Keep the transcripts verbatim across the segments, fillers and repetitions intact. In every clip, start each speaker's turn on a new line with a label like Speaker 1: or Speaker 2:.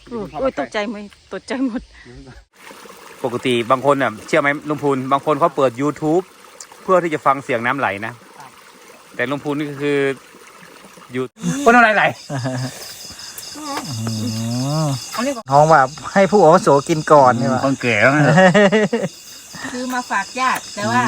Speaker 1: โอ้ยตกใจไหมตกใจหมด
Speaker 2: ปกติบางคนอ่ะเชื่อไหมลุงพูนบางคนเขาเปิด YouTube เพื่อที่จะฟังเสียงน้ำไหลนะแต่ลุงพูนนี่คืออยู่ก็น้ำไหลไหล
Speaker 3: น้องแบบให้ผู้อาวุโสกินก่อนนี่ว่า
Speaker 2: คนแก่
Speaker 1: คือมาฝากญาติแต่ว่า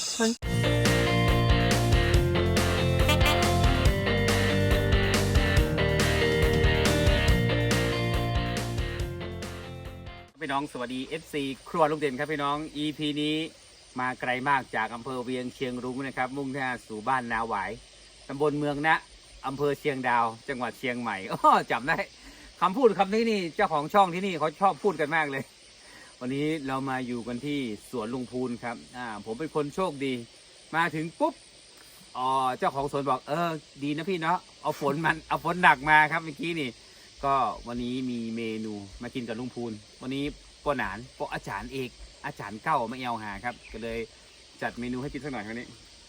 Speaker 2: พี่น้องสวัสดี เอฟ ซี ครัวลุงเด่นครับพี่น้อง อี พี นี้มาไกลมากจากอำเภอเวียงเชียงรุ้งนะครับมุ่งหน้าสู่บ้านนาหวายตำบลเมืองนะอำเภอเชียงดาวจังหวัดเชียงใหม่อ๋อจำได้คำพูดคำนี้นี่เจ้าของช่องที่นี่เขาชอบพูดกันมากเลยวันนี้เรามาอยู่กันที่สวนลุงพูนครับอ่าผมเป็นคนโชคดีมาถึงปุ๊บอ๋อเจ้าของสวนบอกเออดีนะพี่เนาะเอาฝนมันเอาฝนหนักมาครับเมื่อกี้นี่ก็วันนี้มีเมนูมากินกับลุงพูนวันนี้ปอหนานปออาจารย์เอกอาจารย์เก้ามาเอวหาครับก็เลยจัดเมนูให้กินสักหน่อยวันนี้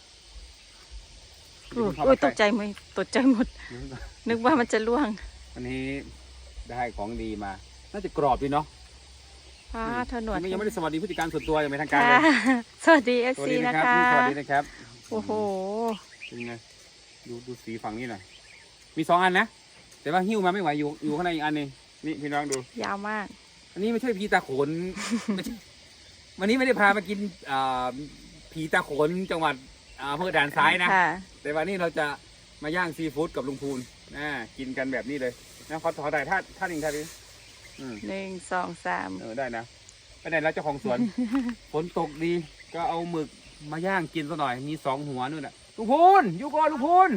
Speaker 1: โอ้ยตกใจไหมตกใจหมดนึกว่ามันจะล่วง
Speaker 2: วันนี้ได้ของดีมาน่าจะกรอบดีเนาะ
Speaker 1: ป้าถนน
Speaker 2: ยังไม่ได้สวัสดีผู้จัดการส่วนตัวอย่างเป็นทางการเลย
Speaker 1: สวัสดีเอฟซีนะคะ
Speaker 2: สวัสดีนะครับ
Speaker 1: โอ้โห
Speaker 2: เป็นไงดูดูสีฝั่งนี้หน่อยมีสองอันนะแต่ว่าหิ้วมาไม่ไหวอยู่อยู่ข้างในอีกอันนึงนี่พี่น้องดู
Speaker 1: ยาวมาก
Speaker 2: อันนี้ไม่ใช่ผีตาโขนวันนี้ไม่ได้พามากินผีตาโขนจังหวัดอำเภอด่านซ้ายนะแต่วันนี้เราจะมาย่างซีฟู้ดกับลุงพูนนะกินกันแบบนี้เลยนะขอขอถ่ายท่าท่าหนึ่งท่านี้
Speaker 1: หนึ่งสองสาม
Speaker 2: เออได้นะไปไหนแล้วเจ้าของสวน ฝนตกดีก็เอาหมึกมาย่างกินซะหน่อยมีสองหัวนู่นน่ะลุงพูนอยู่ก่อนลุงพูน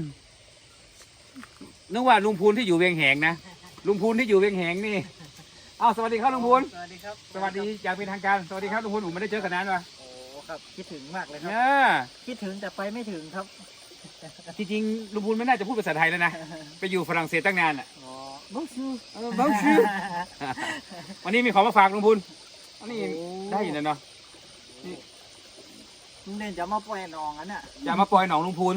Speaker 2: นึกว่าลุงพูนที่อยู่เวียงแหงนะลุงพูนที่อยู่เวียงแหงนี่อ้าวสวัสดีครับลุงพูน
Speaker 3: สวัสดีครับ
Speaker 2: สวัสดีอย่างเป็นทางการสวัสดีครับลุงพูนผมไม่ได้เจอกันนานว่ะ
Speaker 3: โอ้ครับคิดถึงมากเลยครับคิดถึงแต่ไปไม่ถึงครับ
Speaker 2: จริงๆลุงพูนไม่น่าจะพูดภาษาไทยแล้วนะไปอยู่ฝรั่งเศสตั้งนานอ่ะ
Speaker 3: บ้าชื่อ
Speaker 2: บ้าชื่อวันนี้มีของมาฝากลุงพูนอันนี้ได้ยินแล้วเนาะ
Speaker 3: นี่ลุงเด่นจะมาปล่อยหนองอันน่ะ
Speaker 2: จะมาปล่อยหนองลุงพูน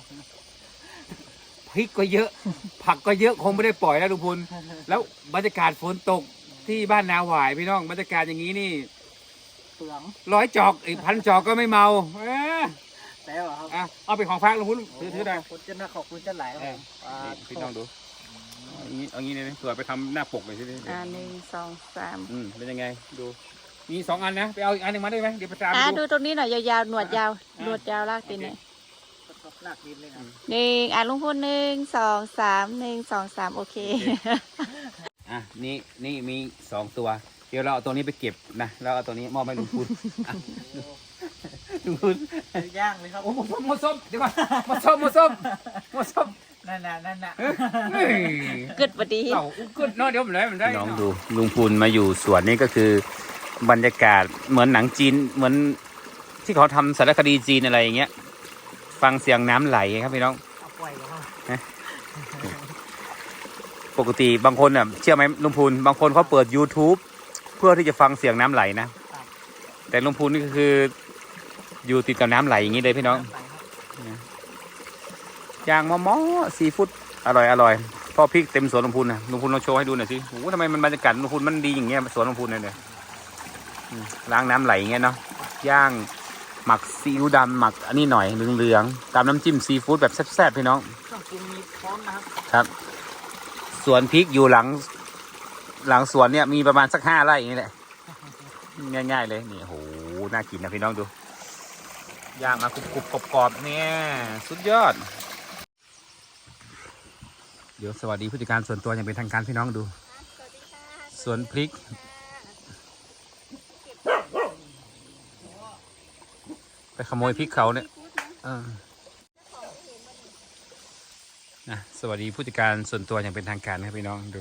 Speaker 2: พริกก็เยอะผักก็เยอะคงไม่ได้ปล่อยแล้วลุงพูนแล้วบรรยากาศฝนตกที่บ้านนาหวายพี่น้องบรรยากาศอย่างนี้นี่
Speaker 3: เปลือง
Speaker 2: ร้อยจอกอีกพันจอกก็ไม่เมา
Speaker 3: แล้วครับ
Speaker 2: อ่ะเอาไปของฝากลุงพูนถือถือได้
Speaker 3: ขอบคุณจะน่าขอบคุณจะหลาย
Speaker 2: พี่น้องดูเอางี้เอางี้เลยเผื่อไปทำหน้าปกเลยสิ
Speaker 1: อ่าหนึ่งสองสาม
Speaker 2: อืมเป็นยังไงดูมีสองอันนะไปเอาอีกอันหนึ่งมาได้ไหมเดี๋ยวประจาน
Speaker 1: อ่าดูตรงนี้หน่อยยาวๆหนวดยาวหนวดยาวลากตีนเนี่ย
Speaker 3: ลากดินเลยครับ
Speaker 1: หนึ่งอ่าลุงพูนหนึ่งสองสามหนึ่งสองสามโอเค
Speaker 2: อ่ะนี่นี่มีสองตัวเดี๋ยวเราเอาตัวนี้ไปเก็บนะแล้วเอาตัวนี้มอบให้ลุงพูนลุงพูน
Speaker 3: ย่างเลยครับ
Speaker 2: โอ้โหมดส้มเดี๋ยวก่อนมดส้มมดส้มมดส้ม
Speaker 3: นั่นน่ะนั่นน่ะ
Speaker 1: กึดพอดี
Speaker 2: เรากึดเนาะเดี๋ยวมันได้มันได้น้องดูลุงพูนมาอยู่สวนนี่ก็คือบรรยากาศเหมือนหนังจีนเหมือนที่เขาทำสารคดีจีนอะไรอย่างเงี้ยฟังเสียงน้ำไหลครับพี่น้องปกติบางคนอ่ะเชื่อไหมลุงพูนบางคนเขาเปิด YouTube เพื่อที่จะฟังเสียงน้ำไหลนะแต่ลุงพูนนี่ก็คืออยู่ติดกับน้ำไหลอย่างนี้เลยพี่น้องย่างมอมอซีฟู้ดอร่อยอร่อยพ่อพริกเต็มสวนลุงพูนนะลุงพูนลองโชว์ให้ดูหน่อยสิโอ้โหทำไมมันบรรยากาศลุงพูนมันดีอย่างเงี้ยสวนลุงพูนเลยล้างน้ำไหลอย่างเงี้ยเนาะย่างหมักซีอิ๊วดำหมักอันนี้หน่อยเหลืองๆตามน้ำจิ้มซีฟู้ดแบบแซ่บๆพี่น้องครับสวนพริกอยู่หลังหลังสวนเนี่ยมีประมาณสักห้าไร่อย่างนี้แหละง่ายๆเลยนี่โหน่ากินนะพี่น้องดูย่างมากรุบๆกรอบๆเนี่ยสุดยอดเดี๋ยวสวัสดีผู้จัดการส่วนตัวอย่างเป็นทางการพี่น้องดูสวนพริกไปขโมยพริกเขาเนี่ยนะสวัสดีผู้จัดการส่วนตัวอย่างเป็นทางการนะพี่น้องดู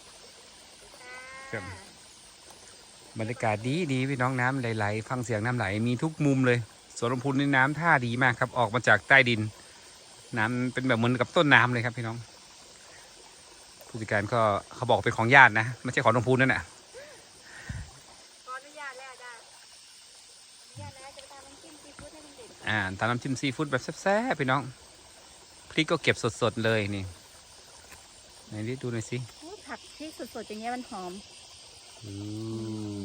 Speaker 2: บรรยากาศดีดีพี่น้องน้ำไหลๆฟังเสียงน้ำไหลมีทุกมุมเลยสวนลำพูนในน้ำท่าดีมากครับออกมาจากใต้ดินน้ำเป็นแบบเหมือนกับต้นน้ำเลยครับพี่น้องผู้จัดการก็เขาบอกเป็นของญาตินะไม่ใช่ของลำพูนนั่นแหละ
Speaker 1: ขออนุญาตแล้วจ้ะอนุญาตแล้วจะทำน้ำจิ้มซีฟู้ดให้มันเด็ด
Speaker 2: อ่าทำน้ำจิ้มซีฟู้ดแบบแซ่บๆพี่น้องพริกก็เก็บสดๆเลยนี่ไหนดิดูหน่อยสิ
Speaker 1: ผักที่สดๆอย่างเงี้ยมันหอม
Speaker 2: อืม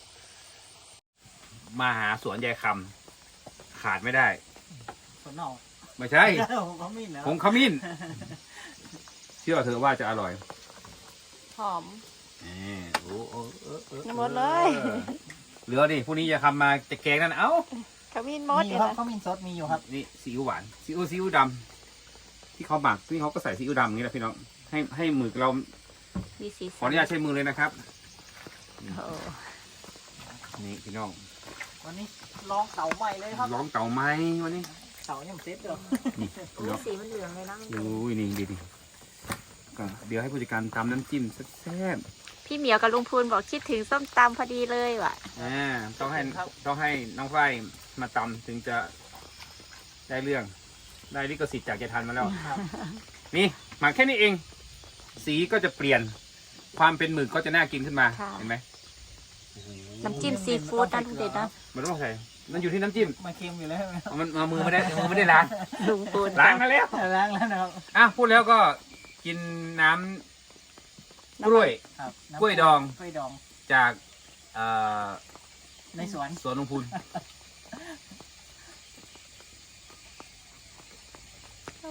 Speaker 2: มาหาสวนยายคำขาดไม่ได้
Speaker 3: ส่วนนอก
Speaker 2: ไม่ใช่
Speaker 3: ผมก็มีนะ
Speaker 2: ผงขมิ้นเชื่อเธอว่าจะอร่อย
Speaker 1: หอม
Speaker 2: นี่โอ้โอ้เออเออ
Speaker 1: หมดเลย
Speaker 2: เหลือดิพรุ่งนี้จะทำมาจะแกงนั่นเอ้า
Speaker 1: ขมิ้นมด
Speaker 3: มี
Speaker 1: เนี่ย
Speaker 3: ครับ
Speaker 1: นะ
Speaker 3: เขามีซอสมีอยู่ครับ
Speaker 2: นี่ซีอิ๊วหวานซีอิ๊วซีอิ๊วดำที่เขาหมักที่เขาก็ใส่ซีอิ๊วดำอย่างนี้แหละพี่น้องให้ให้มือเรา
Speaker 1: มีสี
Speaker 2: ขออนุญาตใช้มือเลยนะครับ
Speaker 1: โอ้
Speaker 2: นี่พี่น้อง
Speaker 3: วันนี้ลองเสาใหม่เลยครับ
Speaker 2: ร้องเต่าไม้วันนี้
Speaker 3: เสายังเซ็ตเลย
Speaker 2: นี่พี่น้อง
Speaker 1: สีมันเหลืองเลยนะ
Speaker 2: ดูนี่ดีดิก็เดี๋ยวให้ผู้จัดการทำน้ำจิ้มแซ่บ
Speaker 1: พี่เหมียวกับลุงพูนบอกคิดถึงส้มตำพอดีเลยว่ะ
Speaker 2: ๆอ่าต้องให้ต้องให้น้องฝ้ายมาตำถึงจะได้เรื่อง ได้ลิขสิทธิ์จากเจทันมาแล้ว
Speaker 3: ครับ
Speaker 2: นี่หมักแค่นี้เอง สีก็จะเปลี่ยน ความเป็นหมึกก็จะน่ากินขึ้นมา เห็นไหม
Speaker 1: น้ำจิ้มซีฟู้ดนะทุกเด็ดนะ
Speaker 2: มันต้องใส่ มันอยู่ที่น้ำจิ้ม
Speaker 3: มาเค็มอยู่แล้วใช่ไหมครับ
Speaker 2: มันเอามือไม่ได้มือไม่ได้ล้าง
Speaker 1: ลุงพูน
Speaker 2: ล้างมาแล้ว
Speaker 3: ล้างแล้วนะครับ
Speaker 2: อ่ะพูดแล้วก็กินน้ำกล้วย
Speaker 3: ครับน้ำ
Speaker 2: กล้วยดอง
Speaker 3: กล้วยดอง
Speaker 2: จากเอ่อ
Speaker 3: ในสวน
Speaker 2: สวนลุงพูน
Speaker 1: โอ้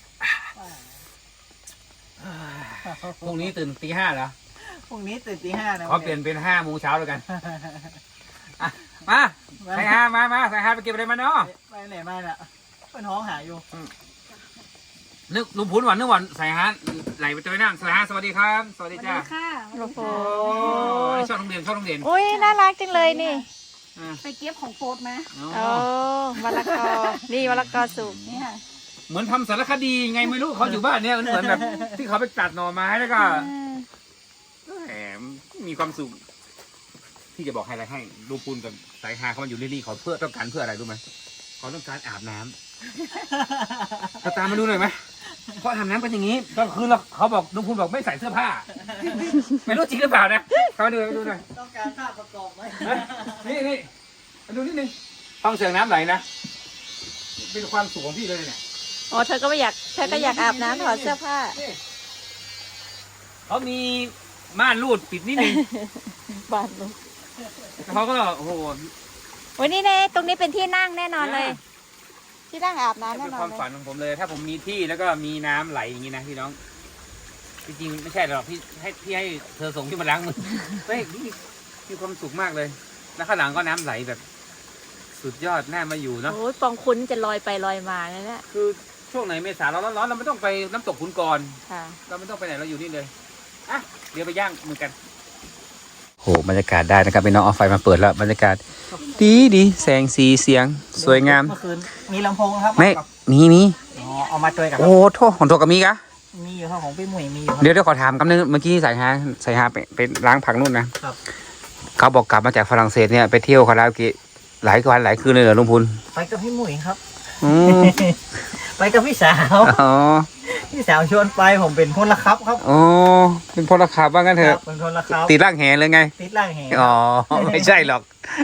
Speaker 2: พรุ่งนี้ตื่นตีห้าเหรอ
Speaker 3: พรุ่งนี้ตื่นตีห้านะ
Speaker 2: ขอเปลี่ยนเป็นห้าโมงเช้าแล้วกันอ่ะมาใส่ฮามามาใส่ฮาไปเก็บอะไรมาเนาะ
Speaker 3: ไปไหนมาเนี่ยเป็นห้องหาอยู่
Speaker 2: นึกลุงพูนหวานนึกหวานใส่ฮาไหลไปเจอนั่งใส่ฮาสวัสดีครับ สวัสดีจ้า
Speaker 1: ลุงพู
Speaker 2: โอ้
Speaker 1: น
Speaker 2: ยชอบโรงเรียนชอบโรงเรียน
Speaker 1: อุ้ยน่ารักจังเลยนี่
Speaker 2: อ่ะ
Speaker 1: ไปเก็บของโฟดมา
Speaker 2: อ๋อ
Speaker 1: โอ้มะละกอ นี่มะละกอสุกนี่ค่ะ
Speaker 2: เหมือนทำสารคดีไงไม่รู้เขาอยู่บ้านเนี่ยมันเหมือนแบบ ที่เขาไปตัดหน่อไม้แล้วก็แหมมีความสุขที่จะบอกให้อะไรให้ลุงพูนกับสายฮาเขามาอยู่ที่นี่เขาเพื่อต้องการเพื่ออะไรรู้ไหมเขาต้องการอาบน้ำเราตามมาดูหน่อยไหมเขาอาบน้ำเป็นอย่างนี้ก็คือเราเขาบอกลุงพูนบอกไม่ใส่เสื้อผ้า ไม่รู้จริงหรือเปล่านะเขามาดูมาดูหน่อย
Speaker 3: ต้องการภาพประกอบไหม
Speaker 2: เฮ้ยนี่นี่มาดูนิดนึงฟังเสียงน้ำไหลนะเป็นความสุขของพี่เลยเนี่ย
Speaker 1: อ๋อเธอก็ไม่อยากเธอก็อยากอาบน้ำถอดเสื้อผ้า
Speaker 2: นี่เขามีม่านรูดปิดนิดนึง
Speaker 1: บานลุง
Speaker 2: เขาก็โอ้โห
Speaker 1: วันนี้เนี่ยตรงนี้เป็นที่นั่งแน่นอนเลย ที่นั่งอาบน้ำ
Speaker 2: เป็
Speaker 1: แน่
Speaker 2: น
Speaker 1: นอ
Speaker 2: คน วาม
Speaker 1: เลย
Speaker 2: ฝันของผมเลย ถ้าผมมีที่แล้วก็มีน้ำไหลอย่างนี้นะพี่น้องจริงๆไม่ใช่หรอกพี่ให้พี่ให้เธอส่งที่มาล้างมือเฮ้ยนี่มีความสุขมากเลย แล้วข้างหลังก็น้ำไหลแบบ สุดยอดน่ามาอยู่เนาะ
Speaker 1: โอ้ยปองคุณจะลอยไปลอยมาเลยเนี่ย
Speaker 2: คือช่วงไหนเมษาเราร้อนๆเราไม่ต้องไปน้ำตกขุนกร
Speaker 1: ค่ะ
Speaker 2: เราไม่ต้องไปไหนเราอยู่นี่เลยอ่ะเดี๋ยวไปย่างมือกันโหบรรยากาศได้นะครับพี่น้องเอาไฟมาเปิดแล้วบรรยากาศดีดีแสงสีเสียงสวยงาม
Speaker 3: เมื่อคืนมีลำโพงครับ
Speaker 2: ไม่
Speaker 3: กับ
Speaker 2: มีมี
Speaker 3: อ๋อเอามาด้วยกัน
Speaker 2: โอ้โทษของโทษกับมีกะ
Speaker 3: มีอยู่ครับของพี่หมวยมีอยู่ครับ
Speaker 2: เดี๋ยวเดี๋ยวขอถามคำนึงเมื่อกี้สายฮาสายฮาไปไปล้างผักนู่นนะครับ เขาบอกกลับมาจากฝรั่งเศสเนี่ยไปเที่ยวคาราโอเกะหลายวันหลายคืนเลยเหรอลุงพูน
Speaker 3: ไปกับพี่หมวยครับ
Speaker 2: อืม
Speaker 3: ไปกับพี่สาว
Speaker 2: อ๋อ
Speaker 3: พี่สาวชวนไปผมเป็นพลครับครับ
Speaker 2: อ๋อเป็นพลขับว่างั้นเถ
Speaker 3: ค
Speaker 2: อะ
Speaker 3: รับเป็นพลครับ
Speaker 2: ติดร่างแหเลยไง
Speaker 3: ติดล่างแห
Speaker 2: อ๋อไม่ใช่หรอก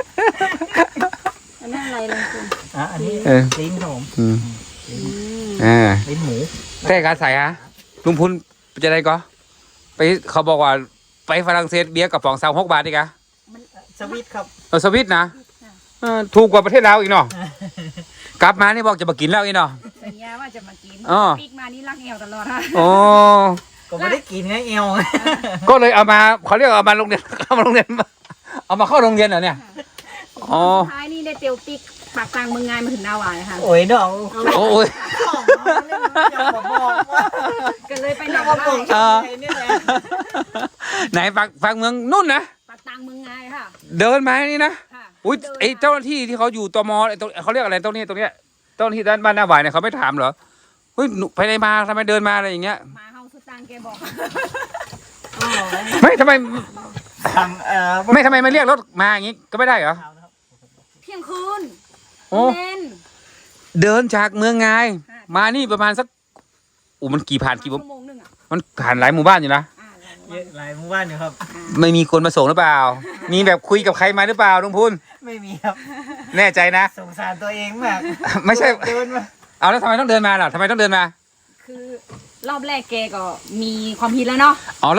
Speaker 1: อันนั้นอะไรลุงคุณ
Speaker 3: อ่ะอันนี้
Speaker 2: เออ
Speaker 3: ลิ้นครับผม
Speaker 2: อืม
Speaker 1: อืม
Speaker 2: อ่า
Speaker 3: ลิ้นหมู
Speaker 2: แต่การใส่ฮะลุงพูนจะได้ก็ไปเขาบอกว่าไปฝรั่งเศสเบียร์กับป๋องสามหกบาทนี่กะ
Speaker 3: สวิตครับ
Speaker 2: เออสวิตนะเออถูกกว่าประเทศเราอีกเนาะกลับมานี่บอกจะมากินแล้วอีกเนาะ
Speaker 1: สัญญาว่าจะมากิน
Speaker 2: อ๋อ
Speaker 1: ปีกมานี่รักเอวตลอดค่ะ
Speaker 2: โอ้
Speaker 3: ก็ไม่ได้กินไงเอว
Speaker 2: ก็เลยเอามาเขาเรียกเอามาโรงเรียน เอามาโรงเรียนเอามาเข้าโรงเรียนเหรอเนี่ยอ๋อ
Speaker 1: ท้ายนี่ได้เตียวปีกปากกลางเมืองงานมาถึงนาหวายค่ะ
Speaker 3: โอ้ยดอก
Speaker 2: โอ้ย
Speaker 3: ของมาเล่นอย่ามาบอกว่า
Speaker 1: ก็เลยไป
Speaker 3: อ
Speaker 1: หน
Speaker 3: ย่า
Speaker 1: อง
Speaker 3: มาบอก
Speaker 1: คาย
Speaker 3: ใครเนี่ยนะ
Speaker 2: ไหนฝากฝากเมืองนู่นนะ
Speaker 1: ปากกลางเมืองงายค่ะ
Speaker 2: เดินมานี่นะ
Speaker 1: ค่ะ
Speaker 2: อุ้ย
Speaker 1: ดิน
Speaker 2: ไอเจ้าหน้าที่ที่เขาอยู่ตมไอ้ตรงเขาเรียกอะไรตรงนี้ตรงเนี้ยเจ้าหน้าที่ด้านบ้านหน้าหวายเนี่ยเขาไม่ถามเหรอเฮ้ยหนูไปไหนมาทำไมเดินมาอะไรอย่างเงี้ย
Speaker 1: มาเฮาสุดตังแกบอก
Speaker 3: อ๋อ
Speaker 2: ไม่ทำไม
Speaker 3: ทำเอ่อ
Speaker 2: ไม่ทำไมไม่เรียกรถมาอย่างงี้ก็ไม่ได้เหรอ
Speaker 1: เที่ยงคืน
Speaker 2: โอ้
Speaker 1: เล่น
Speaker 2: เดินจากเมืองไง
Speaker 1: ค่ะ
Speaker 2: มานี่ประมาณสักอู้มันกี่ผ่านกี่
Speaker 1: ชั่วโมงหนึงอ่ะ
Speaker 2: มันผ่านหลายหมู่บ้านอยู่นะ
Speaker 1: อ่า
Speaker 3: เยอะหลายหมู่บ้านอยู่ครับ
Speaker 2: ไม่มีคนมาส่งหรือเปล่า มีแบบคุยกับใครมาหรือเปล่าลุงพูน
Speaker 3: ไม่มีครับ
Speaker 2: แน่ใจนะ
Speaker 3: สงสารตัวเองมาก
Speaker 2: ไม่ใช่
Speaker 3: เดินมา
Speaker 2: เอาแล้วทำไมต้องเดินมาล่ะทำไมต้องเดินมา
Speaker 1: คือรอบแรกแกก็มีความผิดแล้วเนาะ
Speaker 2: อ๋อแล้ว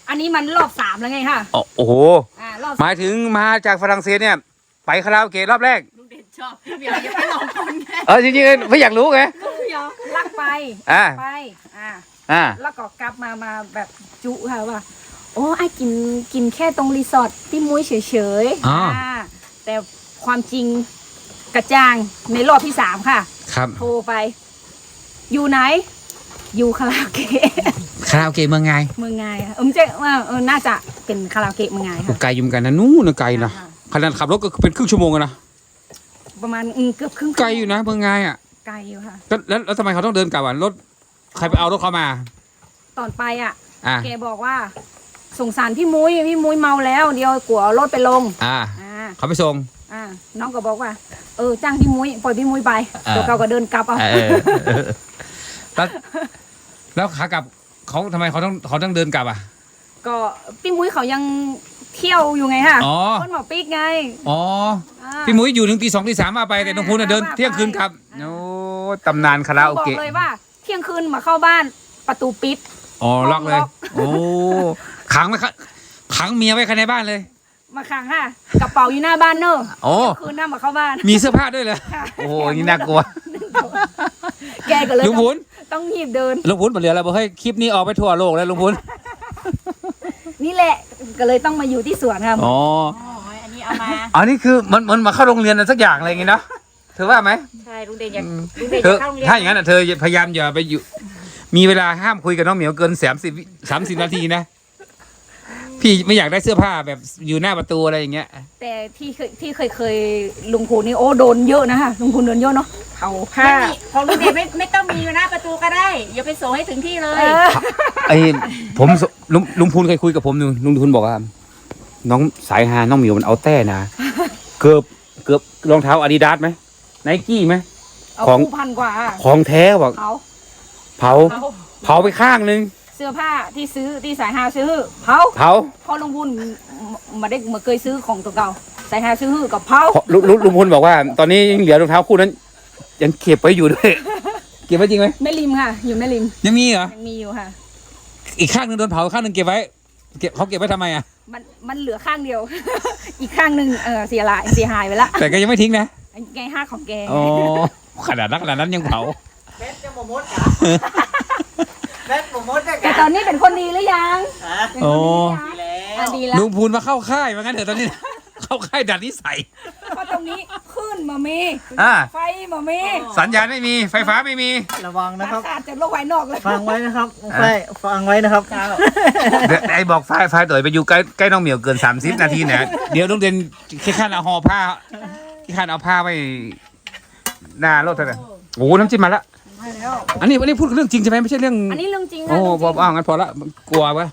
Speaker 1: อันนี้มันรอบสามแล้วไงค่ะ
Speaker 2: โอ้โห
Speaker 1: อ่ารอบ
Speaker 2: หมายถึงมาจากฝรั่งเศสเนี่ย ไปคาราโอเกะรอบแรก
Speaker 1: ลุงเด่นชอบพี่เบียร์ยังไม่ลองคนไง
Speaker 2: เออจริงๆไม่อยากรู้ไง
Speaker 1: ลุงเบียร์ลักไป
Speaker 2: อ่า
Speaker 1: ไปอ่า
Speaker 2: อ่า
Speaker 1: แล้วก็กลับมามาแบบจุค่ะว่าโอ้ไอ้กินกินแค่ตรงรีสอร์ทที่มุ้ยเฉยๆ
Speaker 2: อ๋อ
Speaker 1: อ่าแต่ความจริงกระจ่างในรอบที่สามค่ะ
Speaker 2: ครับ
Speaker 1: โทรไป อยู่ไหน อยู่คาราโอเกะ
Speaker 2: คาราโอเกะเมืองไง
Speaker 1: เมืองไงอะเออไม่ใช่ว่าเออน่าจะเป็นคาราโอเกะเมืองไง
Speaker 2: โอ้
Speaker 1: ค่ะ
Speaker 2: ไกลอยู่เหมือนกันนะนู่นนะไกลนะ
Speaker 1: อ่า
Speaker 2: ขนาดขับรถก็เป็นครึ่งชั่วโมงอะนะ
Speaker 1: ประมาณอืมเกือบครึ่ง
Speaker 2: ไกลอยู่นะเมืองไงอ่ะ
Speaker 1: ไกลอยู่ค่ะ
Speaker 2: แล้วแล้วแล้วทำไมเขาต้องเดินกลับอ่ะรถใครไปเอารถเขามา
Speaker 1: ตอนไปอ่ะ
Speaker 2: อ่า
Speaker 1: แกบอกว่าสงสารพี่มุ้ยพี่มุ้ยเมาแล้ว เดี๋ยวกลัวเอารถไปลง
Speaker 2: อ่า
Speaker 1: อ่า
Speaker 2: เขาไปส่ง
Speaker 1: อ่าน้องก็บอกว่า เออจ้างพี่มุ้ยปล่อยพี่มุ้ยไป
Speaker 2: อ่า
Speaker 1: ตัวเราก็เดินกลับเอา
Speaker 2: เออเออแล้วแล้วขากลับเขาทำไมเขาต้องเขาต้องเดินกลับอ่ะ
Speaker 1: ก็พี่มุ้ยเขายังเที่ยวอยู่ไงค่ะ
Speaker 2: อ๋อ
Speaker 1: คนหมอปิ๊กไง
Speaker 2: อ๋อ
Speaker 1: อ่า
Speaker 2: พี่มุ้ยอยู่ถึงตีสองตีสามมาไปแต่น้องพูนน่ะเดิน
Speaker 1: ว่าไป
Speaker 2: เที่ยงคืนกลับ
Speaker 1: อ่า
Speaker 2: โอ้ตำนานคาราโอ
Speaker 1: บอก
Speaker 2: เกะ
Speaker 1: เลยว่า เที่ยงคืนมาเข้าบ้านประตูปิด
Speaker 2: อ๋อล็อกเลย
Speaker 1: ล็อก
Speaker 2: โอ้ขังไว้ขังขังเมียไว้ภายในบ้านเลย
Speaker 1: มาขังค่ะกระเป๋าอยู่หน้าบ้านเนอะ
Speaker 2: โอ้
Speaker 1: เที่ยงคืนน่ามาเข้าบ้าน
Speaker 2: มีเสื้อผ้าด้วยเหรอ
Speaker 1: ค่ะ
Speaker 2: โอ้โหนี่น่ากลัว
Speaker 1: แกก็เลย
Speaker 2: ลุงพูน
Speaker 1: ต้องหยิบเดิน
Speaker 2: ลุงพูนเหลือแล้วบอกเฮ้ยคลิปนี้ออกไปทั่วโลกแล้วลุงพูน
Speaker 1: นี่แหละก็เลยต้องมาอยู่ที่สวนค่ะ
Speaker 2: อ๋อ
Speaker 1: อันนี้เอามา
Speaker 2: อันนี้คือมันมันมาเข้าโรงเรียนอะไรสักอย่างอะไรอย่างงี้เนาะเธอว่าไหม
Speaker 1: ใช่ลุงเด่นอยาก
Speaker 2: อืม
Speaker 1: ลุงเด่น
Speaker 2: เธ
Speaker 1: จะ
Speaker 2: อ
Speaker 1: เข้าโรงเรียน
Speaker 2: ถ้าอย่างนั้นอ่ะเธอพยายามอย่าไปอยู่ มีเวลาห้ามคุยกับน้องเหมียวเกินสามสิบสามสิบนาทีนะ พี่ไม่อยากได้เสื้อผ้าแบบอยู่หน้าประตูอะไรอย่างเงี้ย
Speaker 1: แต่ที่เคยที่เคยเคยลุงพูนนี่โอ้โดนเยอะนะคะลุงพูนโดนเยอะเนาะเอาผ้า
Speaker 4: ไม่มีของลุงเดชไม่ไม่ต้องมีอยู่หน้าประตูก็ได้อย่าไปส่งให้ถึงที่เลย
Speaker 1: เออ
Speaker 2: ไอ้ผมสลุงลุงพูนเคยคุยกับผมอยู่ลุงพูนบอกว่า น้องสายฮาน้องเหมียวมันเอาแต้นะเกือบเกือบรองเท้าอาดิดาสไหมไนกี้ไหม
Speaker 1: เอา
Speaker 2: ของ
Speaker 1: คู่พันกว่า
Speaker 2: ของแท้บอก
Speaker 1: เอา
Speaker 2: เผา
Speaker 1: เอา
Speaker 2: เผาไปข้างนึง
Speaker 1: เสื้อผ้าที่ซื้อที่สายฮาซื้อเผา
Speaker 2: เผา
Speaker 1: พอลุงพูนมาได้มาเคยซื้อของตัวเก่าสายฮาซื้อกับเผา
Speaker 2: เพราะลุงลุงลุงพูนบอกว่า ตอนนี้ยังเหลือรองเท้าคู่นั้น ยังเก็บไว้อยู่ด้วย เก็บไว้จริงไหม
Speaker 1: แม่ริมค่ะ อยู่แม่ริม
Speaker 2: ยังมีเหรอ
Speaker 1: ยังมีอยู่ค่ะ
Speaker 2: อีกข้างหนึงโดนเผาข้างหนึงเก็บไว้ เก็บเขาเก็บไว้ทำไมอ่ะ
Speaker 1: มันมันเหลือข้างเดียว อีกข้างหนึ่งเออเสียหายเสียหายไปละ
Speaker 2: แต่ก็ยังไม่ทิ้งนะ
Speaker 1: ไงห้าของแก
Speaker 2: อ๋อขนาดนั้นขนาดนั้นยังเผา
Speaker 3: แม่จะโมมดกะแม่โมมดกะ
Speaker 1: แต่ตอนนี้เป็นคนดีหรือยัง
Speaker 3: อ่ะ
Speaker 1: เป็นคนดีหรือยัง
Speaker 3: ดีแล้
Speaker 1: อ่ะ
Speaker 3: ว
Speaker 1: ดีแล้ว
Speaker 2: ลุงพูนมาเข้าค่ายว่างั้นเถอะตอนนี้ เข้าค่ายดัดนิสัย
Speaker 1: เพราะตรงนี้ขึ้นมามี
Speaker 2: อ่า
Speaker 1: ไฟมามี
Speaker 2: สัญญาณไม่มีไฟฟ้าไม่มี
Speaker 3: ระวังนะครับ
Speaker 1: ขาดจากโลกภายนอกเลย
Speaker 3: ฟังไว้นะครับใช่ฟังไว้นะครับ
Speaker 2: เดี๋ยวไอ้บอกไฟไฟตัวไปอยู่ใกล้ใกล้น้องเหมียวเกินสามสิบนาทีเนี่ยเดี๋ยวต้องเดินแค่ขั้นเอาห่อผ้าแค่ขั้นเอาผ้าไว้หน้ารถเท่านั้นโอ้โหน้ำจิ้มมาละ
Speaker 1: มาแล้ว
Speaker 2: อันนี้อันนี้พูดเรื่องจริงใช่ไหมไม่ใช่เรื่อง
Speaker 1: อันนี้เรื่องจริงค่ะ
Speaker 2: โอ้
Speaker 1: เรื่อง
Speaker 2: พ
Speaker 1: จ
Speaker 2: อ
Speaker 1: ริง
Speaker 2: อ้าวงั้นพอละกลัววะ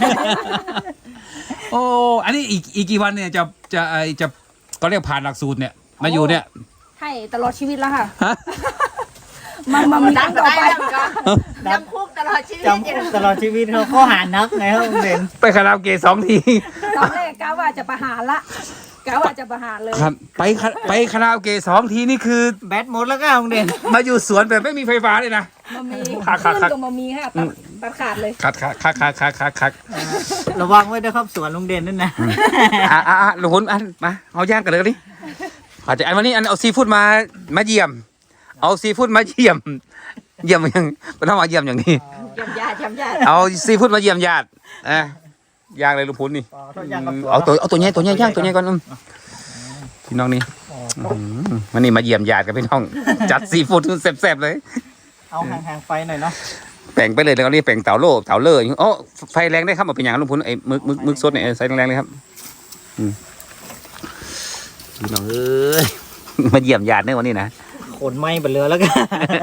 Speaker 2: โอ้อันนี้อีกอีกกี่วันเนี่ยจะจะไอจะก็เรียกผ่านหลักสูตรเนี่ยมาอยู่เนี่ย
Speaker 1: ใช่ตลอดชีวิตแล้วค่ะ
Speaker 2: ฮะ
Speaker 1: มามามีตั้งต่อไป
Speaker 4: จำคุกตลอดชีวิต
Speaker 3: จำตลอดชีวิตเขาข้อหานักไงครับลุงเด่น
Speaker 2: ไปคาราโอเกะสองที
Speaker 1: ตอนแรกกะว่าจะประหารละกะว่าจะประหารเลย
Speaker 2: ครับไปคาไปคาราโอเกะสองทีนี่คือ
Speaker 3: แบตหมดแล้วก็ลุงเด่น
Speaker 2: มาอยู่สวนแบบไม่มีไฟฟ้าเลยนะ
Speaker 1: มามี
Speaker 2: ขาดขา
Speaker 1: ขึ้
Speaker 2: ด
Speaker 1: นกับมามีค่ะตัดตัดขาดเลย
Speaker 2: คัดคัดคัดคัดคัดคัดคัด
Speaker 3: ระวังไว้ด้วยครับสวนลุงเด่นนั่นนะ
Speaker 2: อ่ะอ่ะอ่ะลุงพลอันมาเอาย่างกันเลยดิขอจะอันวันนี้อันเอาซีฟู้ดมามาเยี่ยม เอาซีฟู้ดมาเยี่ยม เยี่ยมยังไม่ต้องมาเยี่ยมอย่างนี้
Speaker 1: ยำยาดยำยาด
Speaker 2: เอาซีฟู้ดมาเยี่ยมญาติเอ่ะย่างเลยลุงพลนี่
Speaker 3: อ๋อถ้าย่างกับ
Speaker 2: เอาตัวเอาตัวใหญ่ตัวใหญ่ย่างตัวใหญ่ก่อนอืมพี่น้องนี่
Speaker 3: อ๋อ
Speaker 2: อืมวันนี้มาเยี่ยมญาติกับพี่น้อง จัดซีฟู้ดแซ่บๆเลย
Speaker 3: เอาห่างๆไฟหน่อยเนาะ
Speaker 2: แป่งไปเลยแล้วก็นี่แป่งเต่าโล่เต่าเล่ออย่างงี้อ๋อไฟแรงได้ครับเอาเป็นอย่างนั้นลุงพลไอ้มึกมึกมึกสดเนี่ยเออใส่แรงๆเลยครับอืมพี่น้องเอ้ย มาเยี่ยมญาติในวันนี้นะ
Speaker 3: ขนไหม้บนเรือแล้วกัน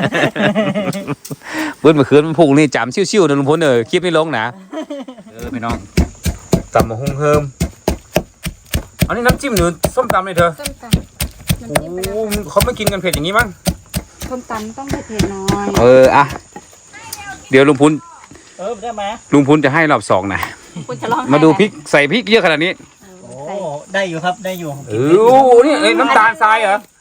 Speaker 2: เบิ้ลเมื่อคืนมันพุ่งนี่จำชิวๆนะลุงพลเออคลิปไม่ลงนะเออพี่น้องตำมะฮุ่งเฮิมอันนี้น้ำจิ้มหรือส้มตำเลยเธอ
Speaker 1: ส้มตำน้ำจิ้มไป
Speaker 2: โอ้
Speaker 1: แล้ว
Speaker 2: เขาไม่กินกันเผ็ดอย่างนี้มั้ง
Speaker 1: ส้มตำต้องเผ็ดๆหน่อย
Speaker 2: เอออะเดี๋ยวลุงพุน
Speaker 3: เออได้ไหม
Speaker 2: ลุงพุนจะให้รอบสองนะ
Speaker 1: คุณจะลอง
Speaker 2: มาดูพริกใส่พริกเยอะขนาดนี้
Speaker 3: โอ้ได้อยู่ครับได้อยู่
Speaker 2: เออโอ้โหนี่เอ้ยน้ำตาลทรายเหรอ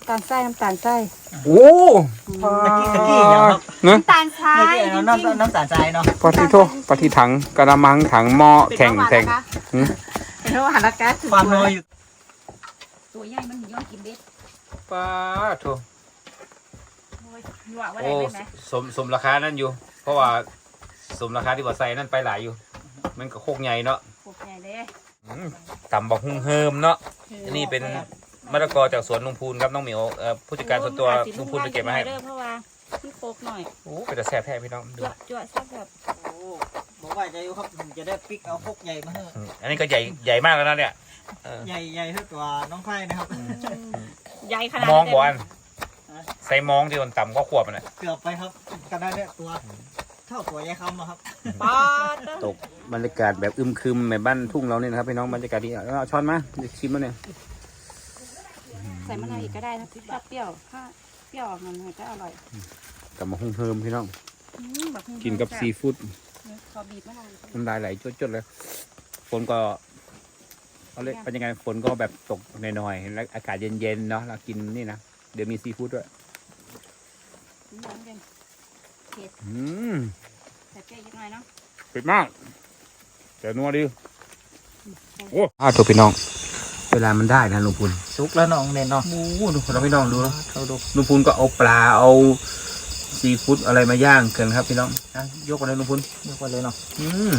Speaker 1: ำตาลทรายน้ำตาลทราย
Speaker 2: โอ้
Speaker 3: ตะกี้ตะกี้อย่างครับ
Speaker 2: เนอะ
Speaker 1: น้ำตาลทราย
Speaker 3: เมื่อกี้
Speaker 1: จริง
Speaker 3: น้ำน้ำน้ำตาลทรายเนาะ
Speaker 2: ปฏิโทปฏิถังกระมังถังหม้อแข่งแข่งหืม
Speaker 1: เป็นเพราะว่าหันละกัส
Speaker 3: ความน้อยอยู่
Speaker 1: ตัวใหญ่มันย้อนกินเบ็ด
Speaker 2: ปาโท
Speaker 1: หนวกว่า
Speaker 2: โอ้
Speaker 1: ได้ไหม
Speaker 2: สมสมราคานั่นอยู่ เพราะว่าสมราคาที่บ่ใส่นั่นไปหลายอยู่ มันก็โคกใหญ่เนาะ
Speaker 1: โอเคเด้
Speaker 2: อืมตำบักหุ่งเฮิมเนาะอันนี้เป็นมะละกอจากสวนลุงพูนครับน้องเหมียวเอ่อผู้จัดการส่วนตัวลุงพูนไปเก็บมาให้
Speaker 4: เด้อเพราะว่ามันโคกหน่อย
Speaker 2: โอ้เป็นแต่แซ่บแท้พี่น้องดู
Speaker 4: จั่วจั่วแซ่บแบบ
Speaker 3: โอ้บอกว่าจะอยู่ครับผมจะได้ปิกเอาพกใหญ่มาให้
Speaker 2: อืมอันนี้ก็ใหญ่ใหญ่มากแล้วนะเนี่ยเออ
Speaker 3: ใหญ่ใหญ่เท่าตัวน้องไผ่นะครับ
Speaker 4: ใหญ่ขนาด
Speaker 2: มองบอ
Speaker 4: อ
Speaker 2: ลใส่มองที่มันต่ำก็ขวบมันน่ะ
Speaker 3: เกือบไปครับกระดานเนี่ยตัวเท่าตัวยายคำอะครับ
Speaker 4: ป๊อด
Speaker 2: ตกบรรยากาศแบบอึมครึมแบบบ้านทุ่งเราเนี่ยนะครับพี่น้องบรรยากาศดีเอาช้อนมาเดี๋ยวชิมมาเนี่ย
Speaker 4: ใส่มะนาวอีกก็ได้นะชอบเปรี้ยวถ้าเปรี้ยวออกมันก็อร่อย
Speaker 2: กลับมาหุ่งเฮิมพี่น้อง
Speaker 4: อืมแบบ
Speaker 2: กินกับซีฟู้ด
Speaker 4: ขอบีบมะนาว
Speaker 2: น้ำลายไหลจดๆเลยฝนก็เขาเรียกเป็นยังไงฝนก็แบบตกหน่อยๆแล้วอากาศเย็นๆเนาะเรากินนี่นะเดี๋ยวมีซีฟู้ดด้วย
Speaker 4: น้ำเย็น
Speaker 2: อืม
Speaker 4: ใส่เปรี้ยวนิดหน่อยเนาะ
Speaker 2: เผ็ดมากแต่นัวดีโอ้อ้าวตัวพี่น้อง เวลามันได้นะลุงพูน
Speaker 3: สุกแล้วน้องเด่นเนาะ
Speaker 2: โอ้โหดูเราพี่น้องดูนะ
Speaker 3: เขาดู
Speaker 2: ลุงพูนก็เอาปลาเอาซีฟู้ดอะไรมาย่างกันครับพี่น้องอ่ะยกมาเลยลุงพูน
Speaker 3: ยกไปเลยเนาะ
Speaker 2: อืม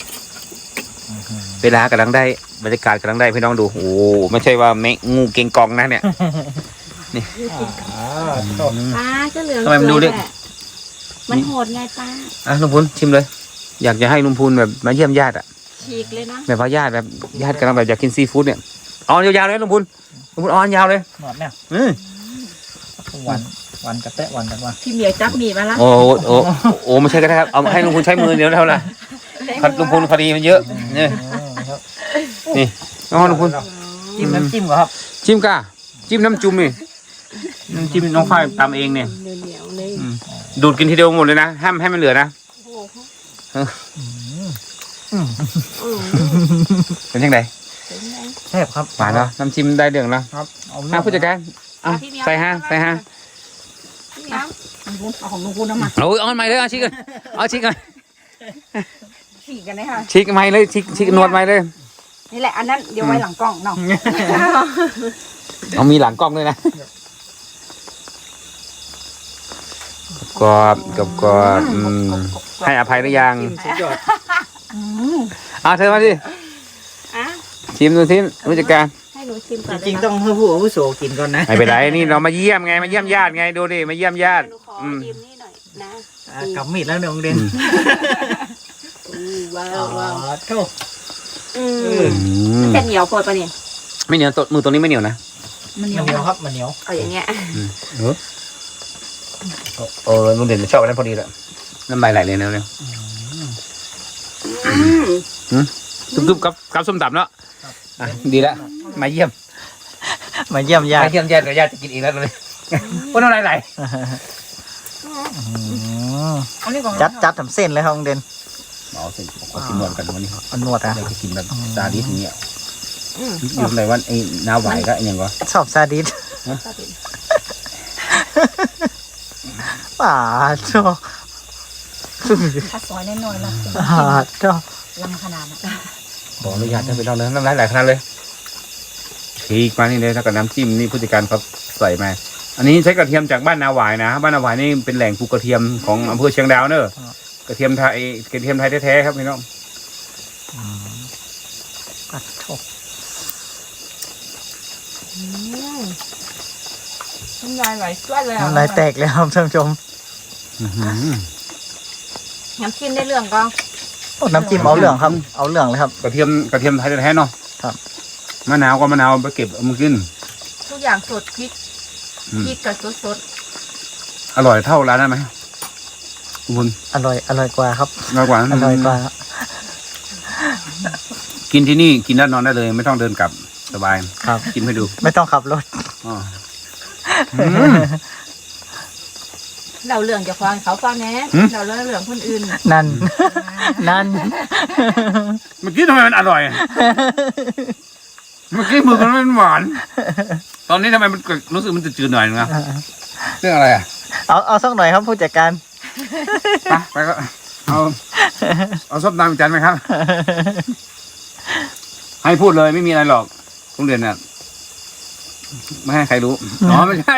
Speaker 2: เวลากำลังได้บรรยากาศกำลังได้พี่น้องดูโอ้ไม่ใช่ว่าแมงงูเก่งกองนะเนี่ย
Speaker 3: อ่าชอบ
Speaker 4: ป้าก็เหลือง
Speaker 2: ทำไมมันดูดิ
Speaker 4: แหละมันโหดไงป้า
Speaker 2: อ่ะลุงพูนชิมเลย อยากจะให้ลุงพูนแบบมาเยี่ยมญาติอ่ะ
Speaker 4: ฉีกเลยนะ
Speaker 2: แบบว่าญาติแบบญาติกำลังแบบอยากกินซีฟู้ดเนี่ยเอายาวๆเลยลุงพูนลุงพูนเอาอันยาวเลย
Speaker 3: หนอดเนี่ย
Speaker 2: อืม
Speaker 3: วันวันกระแตะวันกันว่า
Speaker 4: พี่เหมียวจับหมีมาละ
Speaker 2: โอ้โหโอ้โหโอ้ไม่ใช่ก็ได้ครับเอาให้ลุงพูนใช้มือเดียวเท่านั้นพัดลุงพูนคดีมันเยอะเนี่ย
Speaker 3: ครับ
Speaker 2: นี่น้องลุงพูน
Speaker 3: จิ้มน้ำจิ้มก่อนครับ
Speaker 2: จิ้มก้าจิ้มน้ำจุ่มนี่น้ำจิ้มน้องฝ้ายตำเองเนี่ย
Speaker 4: เหนียวๆเลย
Speaker 2: อืมดูดกินทีเดียวหมดเลยนะห้ามให้มันเหลือนะ
Speaker 4: โอ้โห
Speaker 3: อืม
Speaker 2: เป็นยังไง
Speaker 4: เป็นไง
Speaker 3: แซ่บครับ
Speaker 2: หวานเนาะน้ำจิ้มได้เรื่องแล้ว
Speaker 3: ครับเอา
Speaker 2: ห้าผู้จัดการเอาใส่ห้าใส่ห้า
Speaker 4: พี่เหมียว
Speaker 1: เอาของลุงพูนเอามา
Speaker 2: โอ้ยเอาใหม่เลยเอาชิคกันเอาชิคกัน
Speaker 1: ฉีกกันเลยค่ะ
Speaker 2: ชิคใหม่เลยชิคชิคนวดใหม่เลย
Speaker 1: นี่แหละอันนั้นเดี๋ยวไว้หลังกล้องเนาะ
Speaker 2: เอามีหลังกล้องด้วยนะกรอบกับกรอบอืมให้อภัยหรือยัง
Speaker 3: สุดยอด
Speaker 2: เอาเธอมาดิ
Speaker 4: อ่ะ
Speaker 2: ชิมดูสิผู้จัดการ
Speaker 4: ให้หนูชิมก่
Speaker 3: จ
Speaker 4: อน
Speaker 3: ริงๆต้องให้ผู้อาวุโสกินก่อนนะ
Speaker 2: ไม่เป็นไรนี่เรามาเยี่ยมไงมาเยี่ยมญาติไงดูดิมาเยี่ยมญาติ
Speaker 4: หนูขอ
Speaker 2: อืม
Speaker 4: ชิมนี่หน่อยนะ
Speaker 3: อ่ากับมีดแล้วน้องเด่น
Speaker 4: อืมว้า
Speaker 3: อ๋อ
Speaker 4: วว้าว
Speaker 3: โถ่
Speaker 4: อื
Speaker 3: เอ
Speaker 4: ม
Speaker 3: อ
Speaker 4: จะเหนียวโคตรปะเนี่ย
Speaker 2: ไม่เหนียวตัวมือตัวนี้ไม่เหนียวนะ
Speaker 1: มันเหนี
Speaker 3: มั
Speaker 1: ย
Speaker 3: น
Speaker 1: ว
Speaker 3: เหนียวครับมันเหนียว
Speaker 4: เอาอย่างเงี้ย
Speaker 2: เออเออลุงเด่นชอบอันนั้นพอดีแหละน้ำลายไหลเลยนะเนี่ย
Speaker 4: อืม
Speaker 2: ทุบๆกับกับส้มตำเนาะอ่ะดีแล้วมาเยี่ยม
Speaker 3: มาเยี่ยมญา
Speaker 2: มา
Speaker 3: ติ
Speaker 2: เยี่ยมญาติเดี๋ยวญาติจะกินอีกแล้วเลยว่าน้ำลายไหล
Speaker 1: อันนี้ของ
Speaker 3: จัดจัดทำเส้นเลยครับน้องเด่น
Speaker 2: เอาสิขอกินนวดกันวันนี้
Speaker 3: เอานวดอ่ะ
Speaker 2: อยากจะกินแบบซาดิสอย่างเงี้ยอยู่ไหนว่าไอ้น้าไหวก็ไอ้ยังวะ
Speaker 3: ชอบซาดิสป่าโจ้
Speaker 1: ถ้าซอยแน่นอนละ
Speaker 3: ป่าโจ้
Speaker 1: ลำขนาดนั้น
Speaker 2: บอกอนุญาตท่านไปลองเลยน้ำลายไหลขนาดเลยทีกมานี่เลยแล้วก็น้ำจิ้มนี่ผู้จัดการเขาใส่มาอันนี้ใช้กระเทียมจากบ้านนาหวายนะบ้านนาหวายนี่เป็นแหล่งปลูกกระเทียมของอำเภอเชียงดาวเนอะกระเทียมไทยกระเทียมไทยแท้ๆครับพี่น้อง
Speaker 3: ป่าโจ้
Speaker 1: น้ำลายไหลจ้วดเลยอ่ะ
Speaker 3: น้ำลายแตกแล้วครับท่านผู้ชม
Speaker 2: อื้อหือ
Speaker 1: น้ำจิ้มได้เรื่องก็
Speaker 3: โอ้น้ำจิ้มเอาเหลืองครับเอาเหลืองเลยครับ
Speaker 2: กระเทียมกระเทียมไทยแท้ๆเนาะ
Speaker 3: ครับ
Speaker 2: มะนาวก็มะนาวไปเก็บเอามากิน
Speaker 1: ทุกอย่างสดพริก
Speaker 2: อืม
Speaker 1: พริกกับสดสด
Speaker 2: อร่อยเท่าร้านนั้นไหมคุณ
Speaker 3: อร่อยอร่อยกว่าครับ
Speaker 2: อร่อยกว่า
Speaker 3: อร่อยกว่า
Speaker 2: กินที่นี่กินแล้วนอนได้เลย ไม่ต้องเดินกลับสบาย
Speaker 3: ครับ
Speaker 2: กินให้ดู
Speaker 3: ไม่ต้องขับรถ
Speaker 2: อ๋ออืม
Speaker 1: เราเรื่องจะฟังเขาฟังแน่
Speaker 2: หืม
Speaker 1: เราเรื่องเรื่องคนอื่น
Speaker 3: นั่น นั่น
Speaker 2: เมื่อกี้ทำไมมันอร่อยเมื่อกี้มือมันหวาน ตอนนี้ทำไมมันรู้สึกมันจืดๆหน่อยนึงอะเรื่องอะไรอ่ะ
Speaker 3: เอาเอาสักหน่อยครับผู้จัดการ
Speaker 2: ไปไปก็เอาเอาส้มตำจานไหมครับ ให้พูดเลยไม่มีอะไรหรอกโรงเรียนน่ะไม่ให้ใครรู้อ๋อไม่ใช่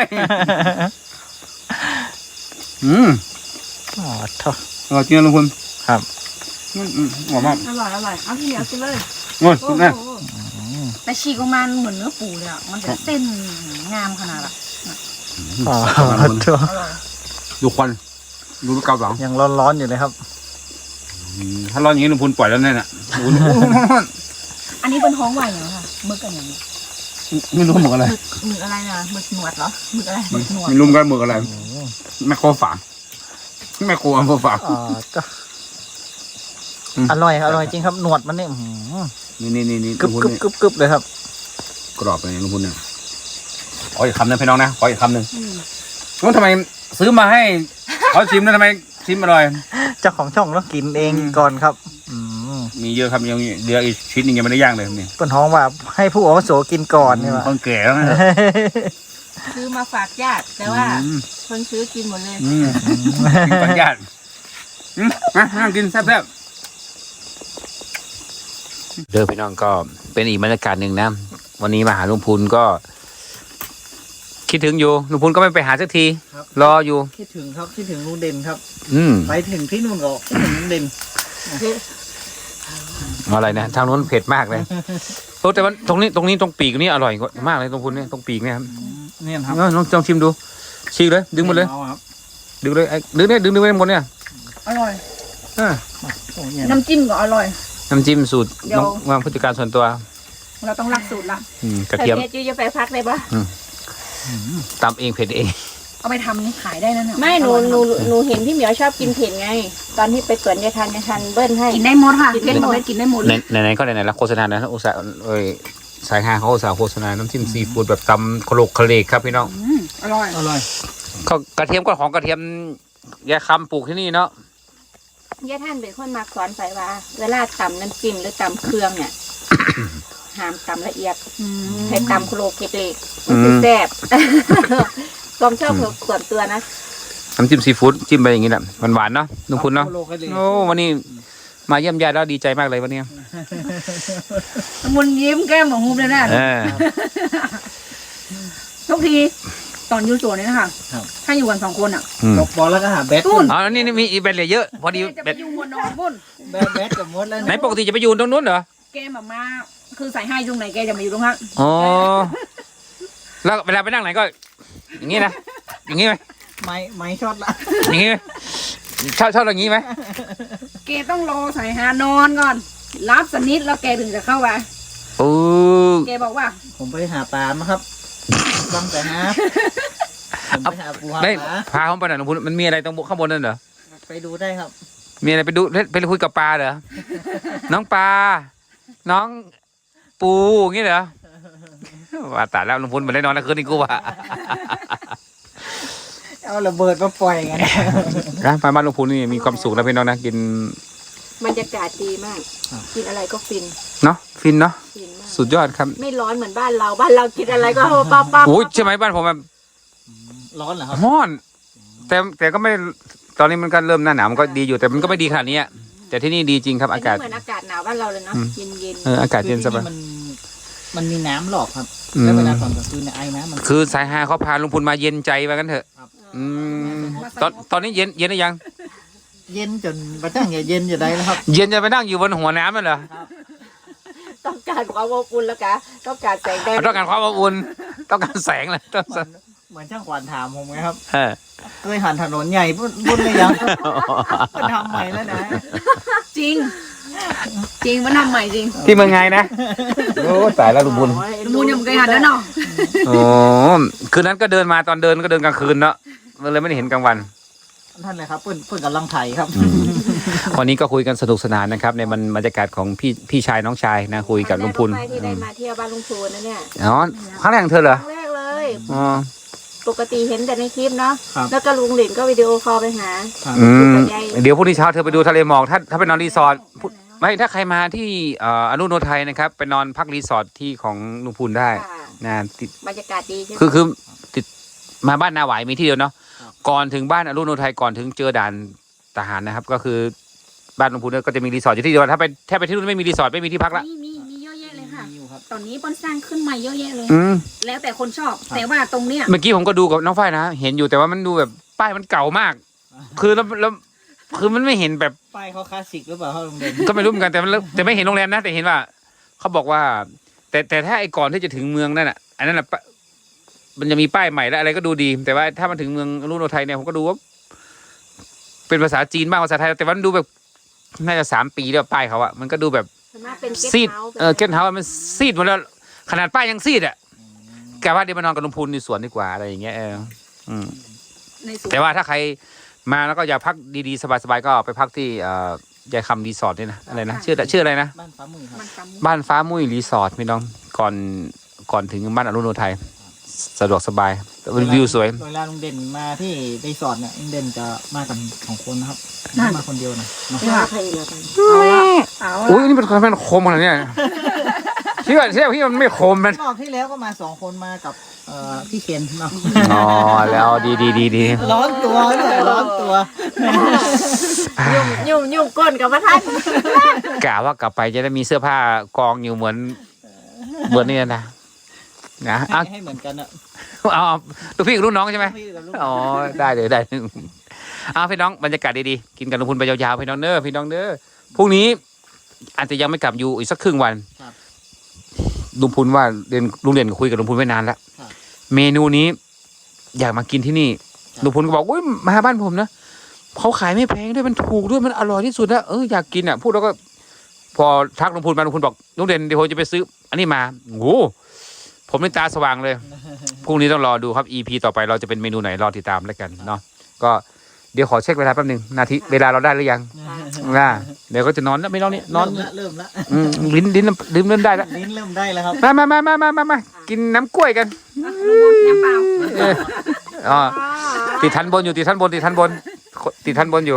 Speaker 2: อืม
Speaker 3: อ๋อท้อ
Speaker 2: อร่อยจริงนะลุงพล
Speaker 3: ครับ
Speaker 2: อืมอืมหอมมาก
Speaker 4: อร่อยอร่อยเอาที่เหนียวกินเลย
Speaker 2: โอ้ย
Speaker 4: โอ้
Speaker 2: แม่
Speaker 4: โห
Speaker 1: แต่ฉีกออกมาเหมือนเนื้อปูเลยอ่ะมันจะเส้นงามขนาดอ่ะ
Speaker 3: อ๋อ
Speaker 2: ขอบคุณ
Speaker 3: ท้อ
Speaker 1: อร่อย
Speaker 2: ดูควันดูเกาหลัง
Speaker 3: ยังร้อนๆอยู่เลยครับ
Speaker 2: อืมถ้าร้อนอย่างนี้ลุงพลปล่อยแล้วแน่น่ะโอ้โห
Speaker 1: อันนี้เป็นท้องไหวเหรอคะหมึกกันอย่างนี้
Speaker 2: ไม่รู้หมึกอะไร
Speaker 1: หมึกหมึกอะไรนะหมึกหนวดเหรอหมึกอะไรหมึกหนวด
Speaker 2: ไม่รู้กันหมึกอะไรแม่โคฝางแม่โคอำเภอฝาง
Speaker 3: อ๋อจ้ะ
Speaker 2: อืม
Speaker 3: อร่อยอร่อยจริงครับหนวดมันนี่อื้อหือ
Speaker 2: นี่นี่นี่นี่
Speaker 3: กรึบ
Speaker 2: ลุงพล
Speaker 3: กรึบ
Speaker 2: นี่
Speaker 3: กรึบกรึบเลยครับ
Speaker 2: กรอบเลยลุงพลเนี่ยขออีกคำหนึงพี่น้องนะขออีกคำหนึ่งแล้วทำไมซื้อมาให้เขาชิมแล้วทำไมชิมอร่อย
Speaker 3: เจ้าของช่องต้องกินเองก่อนครับ อืม
Speaker 2: มีเยอะครับยังเหลืออีกชิ้นหนึงยังไม่ได้ย่างเลยครับนี่
Speaker 3: เปิ้นท้องว่าให้ผู้อาวุโสกินก่อนนี่ว่า
Speaker 2: คนแก่แล้วนะ
Speaker 4: ซื้อมาฝากญาติแต่ว่า
Speaker 2: อืม
Speaker 4: คนซื้อกินหมดเลย
Speaker 2: อืมกินปัญญาติอืมมานั่งกินแซ่บๆเด้อพี่น้องก็เป็นอีกบรรยากาศหนึ่งนะวันนี้มาหาลุงพูนก็ คิดถึงอยู่ลุงพูนก็ไม่ไปหาสักที
Speaker 3: ครับ
Speaker 2: รออยู่
Speaker 3: คิดถึงครับคิดถึงลุงเด่นครับ
Speaker 2: อืม
Speaker 3: ไปถึงที่นู่นก็คิดถึงลุงเด่น
Speaker 2: อะไรนะทางนู้นเผ็ดมากเลยโอ้แต่ว่าตรงนี้ตรงนี้ตรงปีกนี่อร่อยกว่ามากเลยตรงพูนเนี่ยตรงปีกเนี่ยครับ
Speaker 3: เนี่ยครับ
Speaker 2: เออลองลองชิมดูฉีกเลย ดึงหมดเลย
Speaker 3: อาครับ
Speaker 2: ดึงเลยไอ้ดึงเนี่ยดึงดึงไว้หมดเนี่ย
Speaker 1: อร่อย
Speaker 2: อ่า
Speaker 3: โอ้เนี่ย
Speaker 1: น้ำจิ้มก็อร่อย
Speaker 2: น้ำจิ้มสูตร
Speaker 1: เดี๋ยว
Speaker 2: น้องวางผู้จัดการส่วนตัว
Speaker 1: เราต้องรักสูตรละ
Speaker 2: อืมกระเทียม
Speaker 4: แต่เพชรจะไปพักเลยปะ
Speaker 2: ตำเองเผ็ดเอง
Speaker 1: เอาไปทำนี่ขายได้นะเนี่ย
Speaker 4: ไม่หนู
Speaker 1: อร่อย
Speaker 4: หนูหนูเห็นพี่เหมียวชอบกินเผ็ดไง ตอนที่ไปสวนยายทันยายทันเบิ้ลให้
Speaker 1: กินได้หมดค่ะ
Speaker 4: กินได้หมด
Speaker 1: กินได้หมด
Speaker 2: ไหนไหนๆก็ไหนๆแล้วโฆษณานะอุตส่าห์เอ้ยสายห้าเขาอุตส่าห์โฆษณาน้ำจิ้มซีฟู้ดแบบตำโคลกโคเลกครับพี่น้อง
Speaker 1: อืมอร่อย
Speaker 3: อร่อย
Speaker 2: ก็กระเทียมก็ของกระเทียมยายคำปลูกที่นี่เนาะ
Speaker 4: ยายทันเป็นคนมาสอนใส่ว่า เวลาตำน้ำจิ้มหรือตำเครื่องเนี่ย ห้ามตำละเอียด
Speaker 1: อืม
Speaker 4: ให้ตำโครกเล็กๆมันจะแซ่บ ความชอบส่วนตัวนะ
Speaker 2: น้ำจิ้มซีฟู้ดจิ้มไปอย่างนี้แหละหวานๆเนาะลุงพุนเนาะ
Speaker 3: โลกให้เลย
Speaker 2: โอ้วันนี้มาเยี่ยมญาติแล้วดีใจมากเลยวันนี้
Speaker 1: มุนยิ้มแก้มหมองหุบเลยนะ
Speaker 2: เออ
Speaker 1: ทุกทีตอนอยู่สวนนี่นะคะถ้าอยู่กันสองคนอ่ะ
Speaker 2: อืม
Speaker 3: ตกบอลแล้วก็หาแบท
Speaker 1: ตุ้น
Speaker 2: อ๋อแล้วนี่นี่มีอีเวนต์เหลือเยอะ พอดี
Speaker 1: แกจะไป
Speaker 2: เบ็ด
Speaker 1: อยู่หัวนอนพุ่น
Speaker 3: แบทแบทกับมดแล้ว
Speaker 2: ไหนปกติจะไปอยู่ตรงนู้นเหรอ
Speaker 1: แกแบบมาคือใส่ให้ตรงไหนแกจะมาอยู่ตรงนั้น
Speaker 2: อ๋อแล้วเวลาไปนั่งไหนก็ อย่างนี้นะอย่างนี้ไหม
Speaker 3: ไม้ไม้ช็อตละ
Speaker 2: อย่างนี้ไหมชอบชอบอย่างนี้ไหม
Speaker 1: แกต้องรอใส่หานอนก่อน รับสนิทแล้วแกถึงจะเข้าไป
Speaker 2: โอ้
Speaker 1: แกบอกว่า
Speaker 3: ผมไปหาปลามาครับบังแต่หาผมไปหาปูหา
Speaker 2: ได้
Speaker 3: ปลา
Speaker 2: พาเขาไปหน่อยลุงพุนมันมีอะไรตรงข้างบนนั่นเหรอ
Speaker 3: ไปดูได้ครับ
Speaker 2: มีอะไรไปดูไปคุยกับปลาเหรอ น้องปลา น้องปูอย่างงี้เหรอ ว่าตายแล้วลุงพุนมาได้นอนแล้วคืนนี้กูว่า
Speaker 3: เอาระเบิดมาปล่อยกัน
Speaker 2: นะไปบ้านลุงพุนนี่มีความสุขนะพี่น้องนะกิน
Speaker 4: บรรยากาศดีมาก กินอะไรก็ฟิน
Speaker 2: เนาะฟินเนาะ
Speaker 4: ฟินมาก
Speaker 2: สุดยอดครับ
Speaker 4: ไม่ร้อนเหมือนบ้านเรา บ้านเรากินอะไรก็ปั๊บปั๊บปั๊บ
Speaker 2: โอ้ยใช่ไหมบ้านผมแบบ
Speaker 3: ร้อนเหรอครับ
Speaker 2: ร้อน แต่แต่ก็ไม่ตอนนี้มันก็เริ่มหน้าหนาวมันก็ดีอยู่แต่มันก็ไม่ดีขนาดนี้อะแต่ที่นี่ดีจริงครับ
Speaker 4: อั
Speaker 2: อาน กาศ
Speaker 4: นี้เหมือนอากาศหนาวบ้านเราเลยเนาะ
Speaker 2: อืม
Speaker 4: เย็นเย็น
Speaker 2: เอออากาศเย็นสบาย
Speaker 3: คือที่มันมันมีน้ำหลอกครับ
Speaker 2: อืม
Speaker 3: แล้วเวลาตอนกลางคืนเนี่ยไอ้น้ำมัน
Speaker 2: คือสายฮาเขาพาลุงพุนมาเย็นใจว่ากันเถอะ
Speaker 3: ครับ
Speaker 2: อืมตอนตอนนี้เย็นเย็นหรือยัง
Speaker 3: เย็นจนประจังอย่าเย็นอย่าได้แล้วครับ
Speaker 2: เย็นจะไปนั่งอยู่บนหัวน้ำนั่นเหรอ
Speaker 4: ต้องการความอบอุ่นแล้วกะต้องการแสงแดด
Speaker 2: ต้องการความอบอุ่นต้องการแสงเลยต้อง
Speaker 3: เหมือนเหมือนช่างขวัญถามผมไงครับ
Speaker 2: เออ
Speaker 3: เคยหันถนนใหญ่บุญบุญเลยยังมันทำใหม่แล้วนะ
Speaker 1: จริง จริงมันทำใหม่จริง
Speaker 2: ที่เมืองไงนะโอ้ตายแล้วลุงบุญ
Speaker 1: มูลยังไม่เคยหันแล้วเนาะ
Speaker 2: โอ้คืนนั้นก็เดินมาตอนเดินก็เดินกลางคืนเนาะมันเลยไม่ได้เห็นกลางวัน
Speaker 3: ท่านเลยครับเพื่อนเพื่อนกำลังไถครับ
Speaker 2: วันนี้ก็คุยกันสนุกสนานนะครับ ในมันบรรยากาศของพี่พี่ชายน้องชายนะคุยกับลุงพุน
Speaker 4: ครั้แรกที่ได้มาเที่ยวบ้านลุงพูนนะเนี่ย
Speaker 2: อ๋อครั้งแรกของเธอเหรอ
Speaker 4: ครั้งแรกเลย
Speaker 2: อ๋อ
Speaker 4: ปกติเห็นแต่ในคลิปเนาะ
Speaker 3: ครับ
Speaker 4: แล้วก็ลุงหลินก็วิดีโอคอลไปหา
Speaker 2: อืมเดี๋ยวพรุ่งนี้เช้าเธอไปดูทะเลหมอกถ้าถ้าไปนอนรีสอร์ทพรุ่งไม่ถ้าใครมาที่เอ่ออนุโนไทยนะครับไปนอนพักรีสอร์ทที่ของลุงพูนได้
Speaker 4: ค่ะ
Speaker 2: นะติด
Speaker 4: บรรยากาศดีใช่ไหม
Speaker 2: คือคือติดมาบ้านนาหวายมีที่เดียวเนาะก่อนถึงบ้านอนุโนไทยก่อนถึงเจอด่านทหารนะครับ ก็คือบ้านลุงพูนเนี่ยก็จะมีรีสอร์ทอยู่ที่เดียวถ้าไปถ้าไปที่นู่นไม่มีรีสอร์ทไม่มีที่พักละ
Speaker 1: มีมีมีเยอะแยะเลยค่ะ
Speaker 3: มีอยู่ครับ
Speaker 1: ตอนนี้บอนสร้างขึ้นมาเยอะแยะเลย
Speaker 2: อืม
Speaker 1: แล้วแต่คนชอบ แต่ว่าตรงเนี้ย
Speaker 2: เมื่อกี้ผมก็ดูกับน้องฝ้ายนะเห็นอยู่แต่ว่ามันดูแบบป้ายมันเก่ามาก คือแล้วแล้วคือมันไม่เห็นแบบ
Speaker 3: ป้ายเขาคลาสสิกหรือเปล่าครับลุงเด่น
Speaker 2: ก็ไม่รู้เหมือนกันแต่มันแต่ไม่เห็นโรงแรมนะ แต่เห็นว่าเขาบอกว่า แต่แต่ถ้าไอ้ก่อนที่จะถึงเมืองนั่นอ่ะอันนั้นอ่ะปะมันจะมีป้ายใหม่แล้วอะไรก็ดูดี แต่ว่าถ้ามันถึงเมืองอนุโนไทยเนี่ยผมก็ดูว่า เป็นภาษาจีนบ้างภาษาไทยแต่ว่ามันดูแบบน่าจะสามปีแล้วป้ายเขาอะมันก็ดูแบบ
Speaker 4: ส่วนมากเป็นเกส
Speaker 2: ซีด
Speaker 4: ต์เฮาส์
Speaker 2: เออเกนเฮาส์มันซีดหมดแล้วขนาดป้ายยังซีดอ่ะแกว่าเดี๋ยวมานอนกับลุงพูนในสวนดีกว่าอะไรอย่างเงี้ยเอออืม
Speaker 1: ในสวน
Speaker 2: แต่ว่าถ้าใครมาแล้วก็อยากพักดีๆสบายๆก็ไปพักที่เอ่อยายคำรีสอร์ทนี่นะอะไรนะชื่อชื่ออะไรนะ
Speaker 3: บ้านฟ้ามือครับ
Speaker 1: มันกำ
Speaker 2: บ้านฟ้ามุ้ยรีสอร์ทพี่น้องก่อนก่อนถึงบ้านอรุณโนไทยสะดวกสบายวิวสวย
Speaker 3: เวลาลุงเด่นมาที่รีสอร์ทเนี่ยลุงเด่นจะมากันสองคนนะครับไม่มาคนเดียวนะเนาะ
Speaker 4: ไม่ว่าใครแล้วกัน
Speaker 1: เอา
Speaker 2: อุ้ยนี่เป็นคนเป็นคมขนาดเนี้ยที่ว่าที่ว่าพี่มันไม่คมมัน
Speaker 3: รอบที่แล้วก็มาสองคนมากับเอ่อพี่เคนเนาะ
Speaker 2: อ๋อแล้วดีดีดีดี
Speaker 3: ร้อนตัวเลยร้อนตัว
Speaker 4: ยุ่งยุ่งยุ่งก้นกับพระท่าน
Speaker 2: กะว่ากลับไปจะได้มีเสื้อผ้ากองอยู่เหมือนเหมือนนี่นะนะ
Speaker 3: ให้
Speaker 2: เอา
Speaker 3: ให้เหมือนกันอะ
Speaker 2: เอาเอาลูกพี่กับลูกน้องใช่ไหม
Speaker 3: พี่กับลูก
Speaker 2: อ๋อได้เลยได้เอาพี่น้องบรรยากาศดีๆกินกับลุงพูนไปยาวๆพี่น้องเด้อพี่น้องเด้อพรุ่งนี้อาจจะยังไม่กลับอยู่อีกสักครึ่งวันลุงพูนว่าเรียนลุงเรียนคุยกับลุงพูนไว้นานแล้วเมนูนี้ อยากมากินที่นี่ลุงพูนก็บอกอุ้ยมาบ้านผมนะเขาขายไม่แพงด้วยมันถูกด้วยมันอร่อยที่สุดนะเอออยากกินอ่ะพูดแล้วก็ พอทักลุงพูนมาลุงพูนบอกลุงเด่นเดี๋ยวผมจะไปซื้อ อันนี้มาโอ้ผมในตาสว่างเลยพรุ่งนี้ต้องรอดูครับ อี พี ต่อไปเราจะเป็นเมนูไหนรอติดตามแล้วกันเนาะก็เดี๋ยวขอเช็คเวลาแป๊บนึงนาทีเวลาเราได้หรือยังนะเดี๋ยวก็จะนอนแล้วไม่นอนนี่นอน
Speaker 3: เริ่มละเริ่มละ
Speaker 2: อืมลิ้นลิ้นลิ้นเริ่มได้แล้ว
Speaker 3: ลิ้นเริ่มได้แล้วครับ
Speaker 2: มามามามามามามากินน้ำกล้วยกัน
Speaker 1: ลุงบนน้ำเปล่า
Speaker 2: เอออ๋อติดทันบนอยู่ติดทันบนติดทันบนติดทันบนอยู่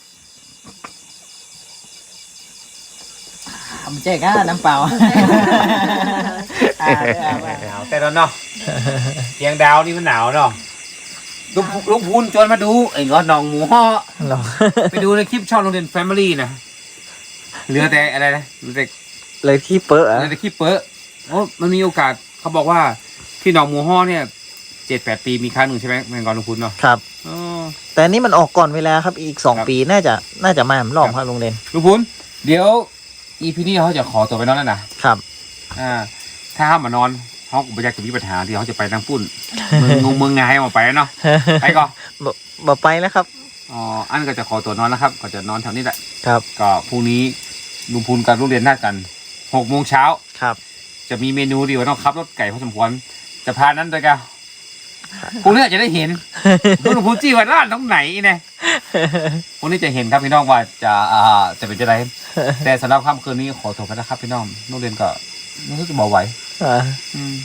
Speaker 3: ทำแจ๊กอะน้ำเปล่าอ่าได้เอาไว้
Speaker 2: หนาวแต่แล้วเนาะเชียงดาวนี่มันหนาวเนาะลุงลุงพูนชวนมาดูไอ้งอหนองหมูห่อไปดูในคลิปช่องโรงเรียนแฟมิลี่นะเหลือแต่อะไรนะเหลือแต่
Speaker 3: เลยที่เป๊ะ
Speaker 2: เหลือแต่คลิปเป๊ะโอ้มันมีโอกาสเขาบอกว่าที่หนองหมูห่อเนี่ยเจ็ดแปดปีมีครั้งหนึ่งใช่ไหมแมงกอลุงพูนเนาะ
Speaker 3: ครับ
Speaker 2: อ๋อ
Speaker 3: แต่อันนี้มันออกก่อนเวลาครับอีกสอง
Speaker 2: ครับ
Speaker 3: ปีน่าจะน่าจะมาหลอมครับลุงเด่น
Speaker 2: ลุงพูนเดี๋ยวอีพีนี้เขาจะขอตัวไปนอนแล้วนะครับ อ่าถ้าเขามานอนเขาก็ไม่อยากจะมีปัญหาที่เขาจะไปทางปุ่นเมืองงงเมืองงายมาไปเนาะไปก่อน
Speaker 3: บ่บ่ไปแล้วครับ
Speaker 2: อ๋ออันก็จะขอตัวนอนนะครับ ก็จะนอนแถวนี้แหละ
Speaker 3: ครับ
Speaker 2: ก็พรุ่งนี้ลุงพูนกับลุงเรียนนัดกันหกโมงเช้า
Speaker 3: ครับ
Speaker 2: จะมีเมนูดีว่าต้องขับรถไก่พอสมควรจะพานั้นด้วยกันพรุ่งนี้จะได้เห็นลุงพูนจี้ว่าร้านตรงไหนเนี่ยพรุ่งนี้จะเห็นครับพี่น้องว่าจะอ่าจะเป็นจะไรแต่สำหรับค่ำคืนนี้ขอตัวไปนะครับพี่น้องลุงเรียนก็ไม่รู้จะบอกไหว
Speaker 3: อ่า
Speaker 2: อืม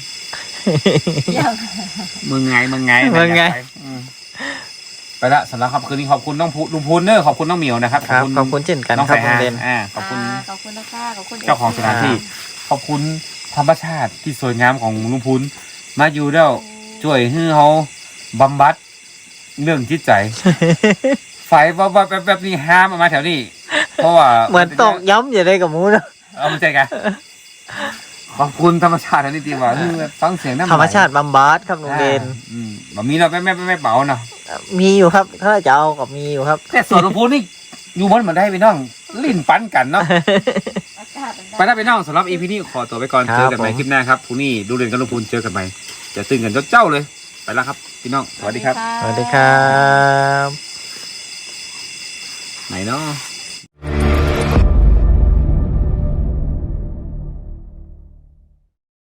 Speaker 2: มึงไงมึงไง
Speaker 3: มึงไง
Speaker 2: ปอืมไปละสำหรับค่ำคืนนี้ขอบคุณน้องพูลุงพูนเนอร์ขอบคุณน้องเหมียวนะครับ
Speaker 3: ครับขอบคุณเช่นกัน
Speaker 2: น้อง
Speaker 3: ครับ
Speaker 2: สาย
Speaker 3: ลุ
Speaker 2: ฮาง
Speaker 3: เด่น
Speaker 2: อ่าขอบคุณ
Speaker 4: าขอบคุณนะคะขอบคุณ
Speaker 2: เจ้าของสถานที่ ขอบคุณธรรมชาติที่สวยงามของลุงพูนมาอยู่แล้วช่วยให้เขาบำบัดเรื่องจิตใจ ไฟแบบแบบแบบนี้ห้ามเอามาแถวนี้ เพราะว่า
Speaker 3: เหมือนตอกย้ำอย่าได้กับหมูนะ
Speaker 2: เอามาใจกันขอบคุณธรรมชาติอันนี้ดีว่าฟังเสียงน้ำไหล
Speaker 3: ธรรมชาติบำบัดครับลุงเด่น
Speaker 2: อ่าอืมแบบนี้เราไม่ไม่ไม่ไม่เบาเนาะ
Speaker 3: มีอยู่ครับถ้าจะเอากับมีอยู่ครับ
Speaker 2: แต่ส่วนลุงพูนนี่อยู่มันเหมือนได้ไปน้องลิ้นปั้นกันเนาะ
Speaker 4: อากาศมัน
Speaker 2: ไปได้ไปน้องสำหรับอีพีนี้ขอตัวไปก่อน
Speaker 3: ครับ
Speaker 2: เจอกันใหม่
Speaker 3: ผม
Speaker 2: คลิปหน้าครับพรุ่งนี้ดูเรียนกับลุงพูนเจอกันใหม่จะตื่นกันเจ้าๆเลยไปแล้วครับพี่น้องสวัสดีครับ
Speaker 3: สวัสดีครับ
Speaker 2: ไหนเนาะ